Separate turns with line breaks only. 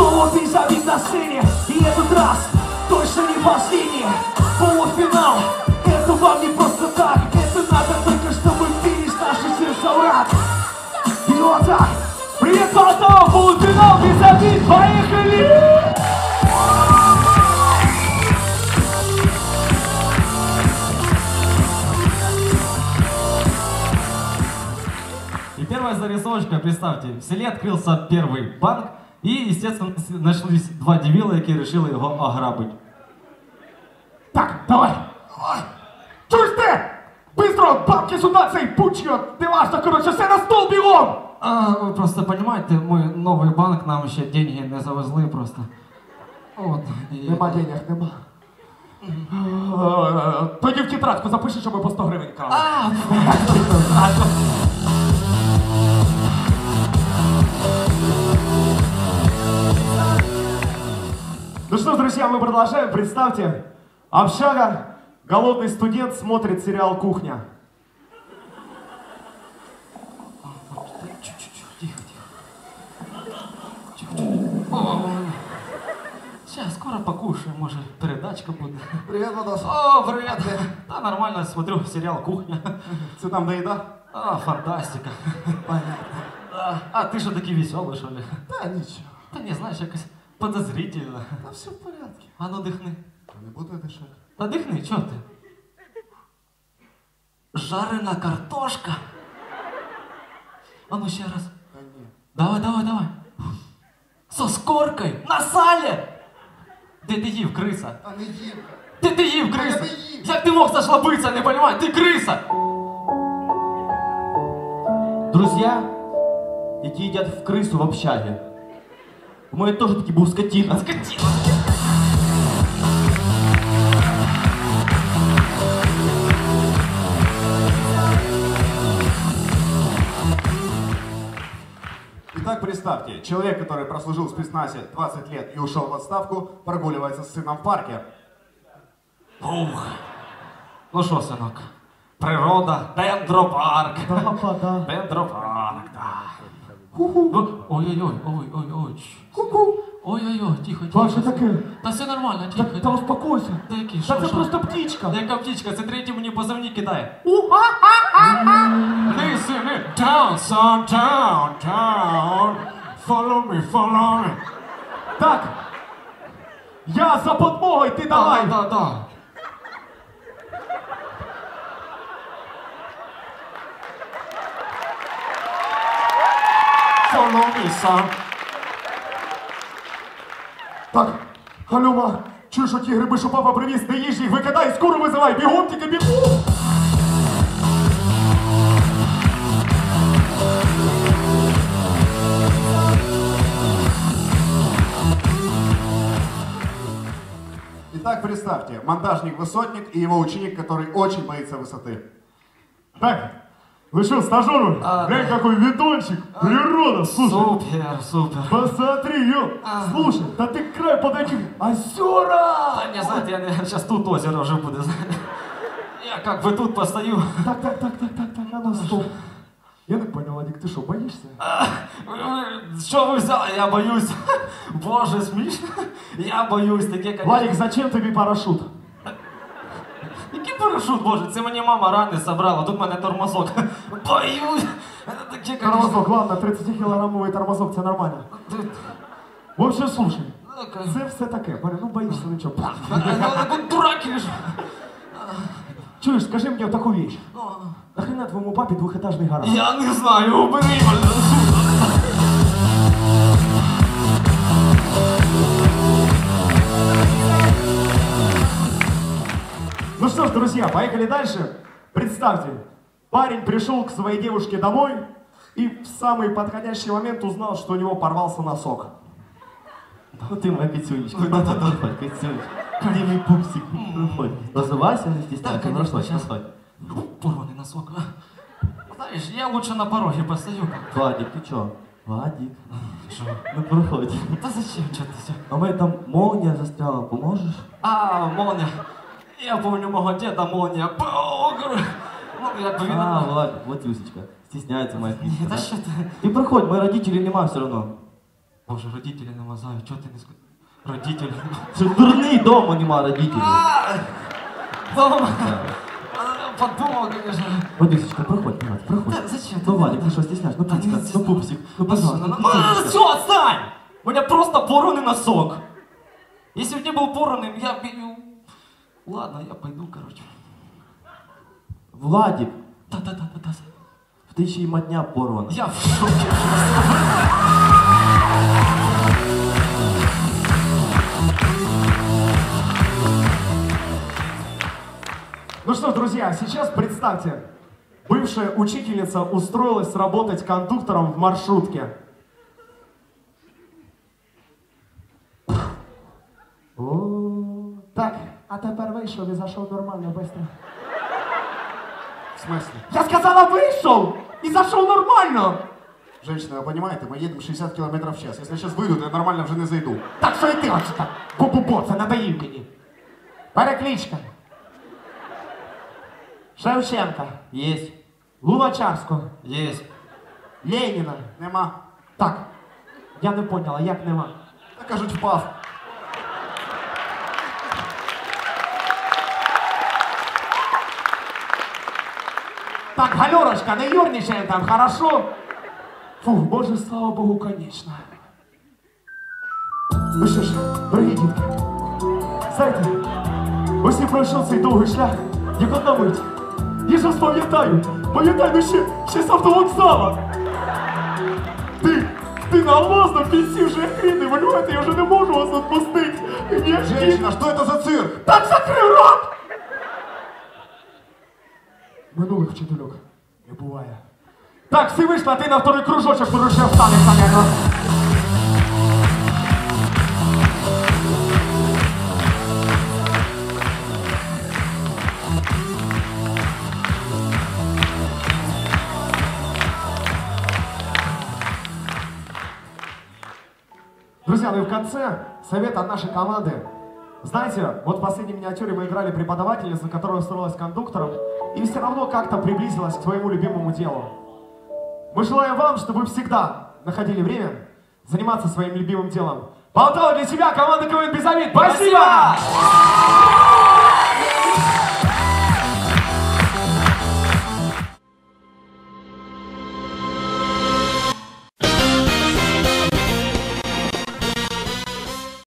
Золотый забит на сцене, и этот раз точно не последний. Полуфинал, это вам не просто так, это надо только, чтобы финиш наших сердца врат. И вот так, привет, Полтава, полуфинал, без обид, поехали!
И первая зарисовочка, представьте, в селе открылся первый банк, и, естественно, нашлись два дебила, які решили його ограбити.
Так, давай! Чуєш ти? Быстро, бабки сюда, цей пучьо! Не важно, короче, все на стол бігом!
Ви просто розумієте, ми новий банк, нам ще деньги не завезли просто. От. І...
Нема денег, нема. Тоді в тетрадку запиши, щоб ми по 100 гривень крали. Ну что ж, друзья, мы продолжаем. Представьте, общага, голодный студент смотрит сериал «Кухня».
Сейчас, скоро покушаем, может, передачка будет.
Привет, Владос.
О, привет! Да, нормально, смотрю сериал «Кухня».
Что там, да еда?
А, фантастика.
Понятно.
А ты что, такий веселый, что ли?
Да, ничего.
Та не, знаешь, якось подозрительно.
Да все в порядке.
А ну дихни.
Не буду я дышать.
Та дихни, чого ти? Жарена картошка. А ну ще раз.
Да нет.
Давай, давай, давай. Со скоркою, на салі. Де ти їв, криса?
А не ем.
Де ти їв, криса?
Я не їв.
Як ти мог зашлабитися, не понимаєш? Ти криса!
Друзья, які їдять в крису в общаге. У мене теж такий був скотина.
Скотина!
Итак, представьте, человек, который прослужил в спецназе 20 лет и ушел в отставку, прогуливается с сыном в парке.
Ух. Ну що, синок? Природа, дендропарк.
Да.
Дендропарк, да. Ой-ой-ой, ой-ой-ой. Ой-ой-ой, тихо, тихо.
Ба, що таке?
Та все нормально, тихо.
Та успокойся.
Та який,
Та
що,
це
що?
просто птичка.
Яка птичка? Це третій мені позивні кидає. Listen me, down, son, down, down. Follow me, follow me.
Так, я за подмогою, ти давай.
Да. Follow me, son.
Так, Галюма, чуєш оті гриби, що папа привіз, не їж їх, викидай, скоро визивай, бігом тільки бігом. Итак, представьте, монтажник-высотник и его ученик, который очень боится высоты. Так, вы что, стажеры? Глянь, какой видончик, природа, слушай.
Супер.
Посмотри, ё! Слушай, да ты к краю подойди. Озера!
Та не знаєте, я зараз тут озеро вже буде. Я как бы тут постою.
Так, а ну стоп. Я так понял, Вадик, ты что, боишься?
Що ви взяли? Я боюсь. Боже, смішно. Я боюсь, таке, конечно.
Вадик, зачем тобі парашют?
Який парашут, боже, це мені мама рани собрала, тут в мене тормозок. Боюсь. Таке, конечно.
Тормозок, ладно, 30-кілограмовий тормозок, це нормально. В общем, слушай, це все таке, ну боишься, ну чого.
Ну, дурак или ж.
Чуєш, скажи мені таку вещь. Нахрена твоєму папі двохетажний гараж?
Я не знаю, убери мене.
Ну что ж, друзья, поехали дальше. Представьте, парень пришел к своей девушке домой и в самый подходящий момент узнал, что у него порвался носок.
Ну ти моя кицюнечка. Проходь, кицюнечка. Ти мій пупсик. Проходь. Розвивайся, не стісняйся.
Так, конечно, сейчас.
Проходь.
Порванный носок. Знаешь, я лучше на пороге постою.
Вадик, ти чо? Вадик.
Что?
Ну проходь.
Да зачем что-то все?
А в мене там молния застряла, поможеш?
А, молния. Я помню мого деда молния. Ну, як би він...
А, Вадик, вот Юсечка. Стісняється моя
Ні,
кицька.
та
да?
що ти?
Ти проходь, мої родителі нема все одно.
Боже, родители намазают, что ты не сказал? Родители.
Це дурний, дома нема родителей.
Дома. Подумал, конечно.
Водичечка, проходь, Марат, проходь.
Да зачем?
Ну, Валик, ты что, стесняешь? Ну, Пупсик, ну, Пупсик, ну, пожалуйста.
Все, отстань! У меня просто порванный носок. Если бы не был порванным, я бы... Ладно, я пойду, короче.
Владик,
Да.
в ти ще й матня порвана.
Я в шоке.
Ну что ж, друзья, сейчас представьте, бывшая учительница устроилась работать кондуктором в маршрутке. О, так, а тепер вийшов и зашел нормально, быстро.
В смысле?
Я сказала, вышел и зашел нормально.
Женщина, вы понимаете, мы едем 60 км в час. Если я сейчас выйду, то я нормально вже не зайду.
Так що і ти оце так, бу-бу-бу, це надоїв мені. Перекличка. Шевченка.
Есть.
Луначарського.
Есть.
Леніна.
Нема.
Так, я не поняла, як нема.
Та кажуть, впав.
Так, Галерочка, не юрничаем там, хорошо? Фух, боже, слава Богу, конечно. Ну що ж, дорогі дітки, знаєте, ось і пройшов цей довгий шлях, як одна мить. Я ж пам'ятаю, ну ще з автовокзала. Ти на алмазному кінці вже хрін, валюєте, я вже не можу вас відпустити.
Женщина, что это за цирк?
Так закрив рот! Минулих вчительок не буває. Так, всі вийшли, а ти на второй кружочок порушив встанеш, наверное. Друзья, ну и в конце совет от нашей команды. Знаете, вот в последней миниатюре мы играли преподавательницу, которая устроилась кондуктором и все равно как-то приблизилась к своему любимому делу. Мы желаем вам, чтобы вы всегда находили время заниматься своим любимым делом. Болтала для тебя команда КВН «Без обид». Спасибо!